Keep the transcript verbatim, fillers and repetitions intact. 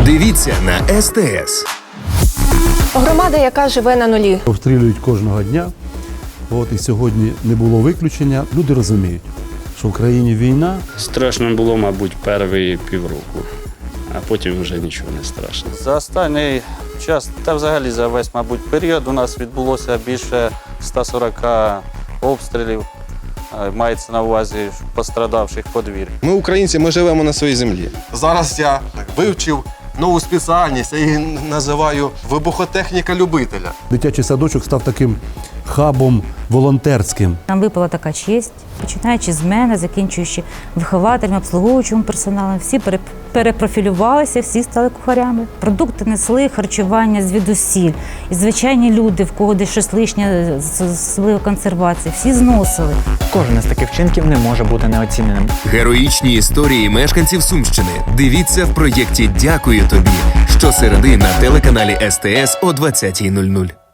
Дивіться на ес те ес. Громада, яка живе на нулі. Обстрілюють кожного дня. От і сьогодні не було виключення. Люди розуміють, що в країні війна. Страшно було, мабуть, перший півроку, а потім вже нічого не страшно. За останній час, та взагалі за весь, мабуть, період у нас відбулося більше ста сорока обстрілів. Мається на увазі пострадавших подвір'я. Ми українці, ми живемо на своїй землі. Зараз я вивчив нову спеціальність, я її називаю вибухотехніка любителя. Дитячий садочок став таким хабом волонтерським. Нам випала така честь, починаючи з мене, закінчуючи вихователями, обслуговуючим персоналом. Всі пере- перепрофілювалися, всі стали кухарями. Продукти несли, харчування звідусіль. І звичайні люди, в кого десь щось лишнє, особливо консервації, всі зносили. Кожен із таких вчинків не може бути неоціненим. Героїчні історії мешканців Сумщини. Дивіться в проєкті «Дякую тобі» щосереди на телеканалі ес те ес о двадцятій нуль нуль.